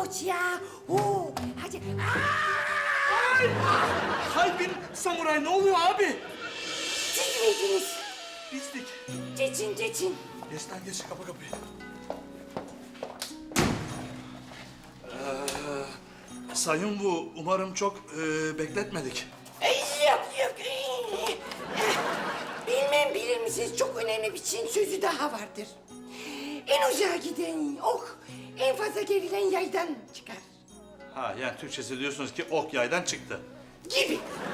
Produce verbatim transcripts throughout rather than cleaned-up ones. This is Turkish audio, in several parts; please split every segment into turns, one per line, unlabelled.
hoca. Oo, hadi.
Ay! Kalbin samuray ne oluyor abi?
Siz miydiniz?
Bizdik.
Geçin, geçin.
Geç lan geç kapı kapıyı. Ee, sayın bu umarım çok e, bekletmedik.
Ay, yok, yok. Bilmem bilir misiniz, çok önemli bir Çin sözü daha vardır. En uzağa giden ok, en fazla gerilen yaydan çıkar.
Ha yani Türkçesi diyorsunuz ki ok yaydan çıktı.
Gibi.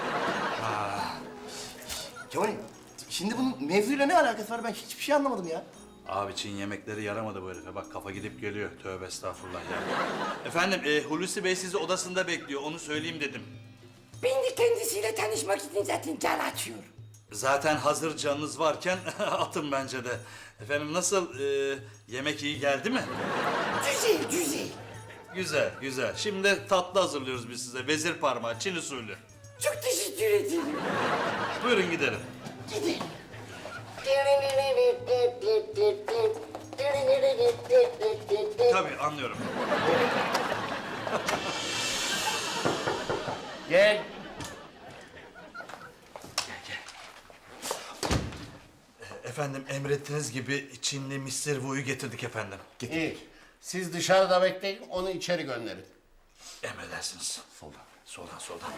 Kemal, şimdi bunun mevzuyla ne alakası var? Ben hiçbir şey anlamadım ya.
Abi Çin yemekleri yaramadı bu herife. Bak kafa gidip geliyor. Tövbe estağfurullah ya. Efendim e, Hulusi Bey sizi odasında bekliyor. Onu söyleyeyim dedim.
Ben de kendisiyle tanışmak için zaten can açıyorum.
Zaten hazır canınız varken atın bence de. Efendim nasıl e, yemek iyi geldi mi?
Güzel, güzel.
Güzel, güzel. Şimdi tatlı hazırlıyoruz biz size. Vezir parmağı, Çin usulü.
Çok teşekkür ederim.
Buyurun gidelim.
Gidelim.
Tabii anlıyorum.
Gel.
Efendim emrettiğiniz gibi Çinli Mister Wu'yu getirdik efendim.
İyi. Siz dışarıda bekleyin, onu içeri gönderin.
Emredersiniz. Soldan. Soldan, soldan.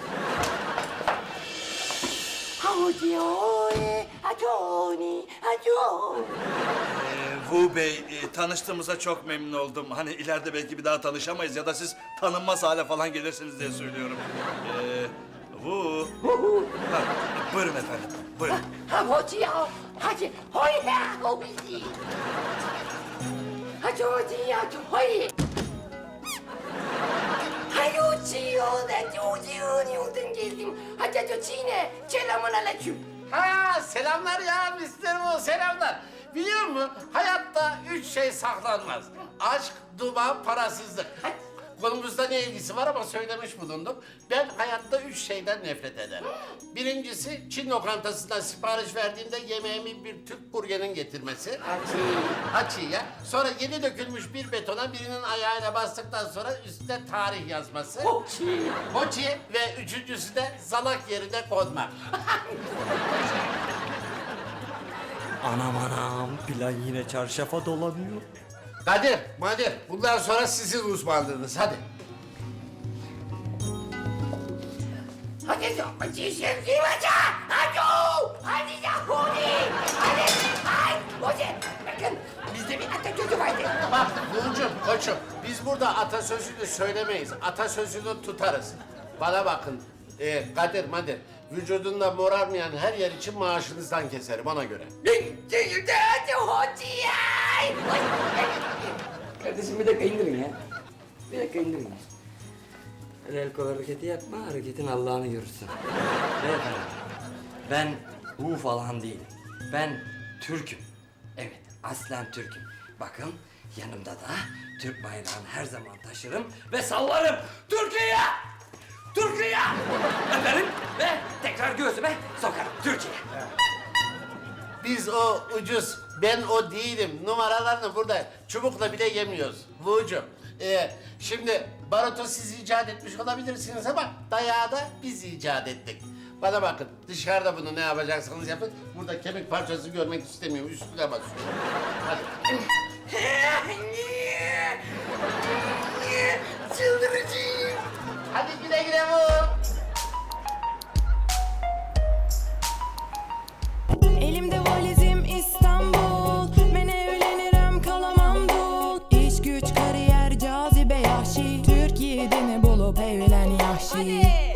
Hadi oy, hadi oy, hadi oy.
Ee, Wu Bey, e, tanıştığımıza çok memnun oldum. Hani ileride belki bir daha tanışamayız ya da siz tanınmaz hale falan gelirsiniz diye söylüyorum. Ee, Wu. Ha, buyurun efendim, buyurun.
Hadi ya, hadi hoy ya, o bizi. Hadi hadi ya, hoy. Hadi uçuyor, hadi uçuyor, yoldan geldim. Hadi hadi Çin'e, selamun aleyküm.
Ha selamlar ya mister Bu, selamlar. Biliyor musun? Hayatta üç şey saklanmaz. Aşk, duman, parasızlık. Konumuzda ne ilgisi var ama söylemiş bulundum. Ben hayatta üç şeyden nefret ederim. Birincisi Çin lokantasından sipariş verdiğimde yemeğimi bir Türk burgerinin getirmesi.
Hadi.
Açıya. Sonra yeni dökülmüş bir betona birinin ayağıyla bastıktan sonra üstüne tarih yazması.
Hoçi.
Hoçi ve üçüncüsü de zalak yerine konmak.
Anam anam, plan yine çarşafa dolanıyor.
Kadir, Madir, bundan sonra sizin uzmanlığınız. Hadi.
Hadi hadi şimdi hadi. Hadi. Hadi ya hadi. Hadi. Hadi. Hadi. Bakın bizde bir atasözü vardı.
Bak Nurcuğum, koçum, biz burada atasözünü söylemeyiz. Atasözünü tutarız. Bana bakın, ee, Kadir, Madir, vücudunda morarmayan her yer için maaşınızdan keserim ona göre.
Şimdi hadi hadi ya.
Kardeşim bir dakika indirin ya. Bir dakika indirin ya. Öyle el kol hareketi yapma, hareketin Allah'ını görürsün. Beyefendi, ben bu falan değilim. Ben Türk'üm. Evet, aslen Türk'üm. Bakın, yanımda da Türk bayrağını her zaman taşırım ve sallarım. Türkiye! Türkiye! Öperim ve tekrar göğsüme sokarım. Türkiye!
Biz o ucuz, ben o değilim numaralarını burada çubukla bile yemiyoruz. Vucuğum, ee, şimdi barutu siz icat etmiş olabilirsiniz ama dayağı da biz icat ettik. Bana bakın, dışarıda bunu ne yapacaksanız yapın. Burada kemik parçası görmek istemiyorum, üstüne basıyorum. Hadi.
Çıldırıcıyım.
Hadi güle güle vur.
Elimde valizim İstanbul. Ben evlenirim kalamam dul. İş güç kariyer cazibe yahşi. Türkiye'de ne bulup evlen yahşi.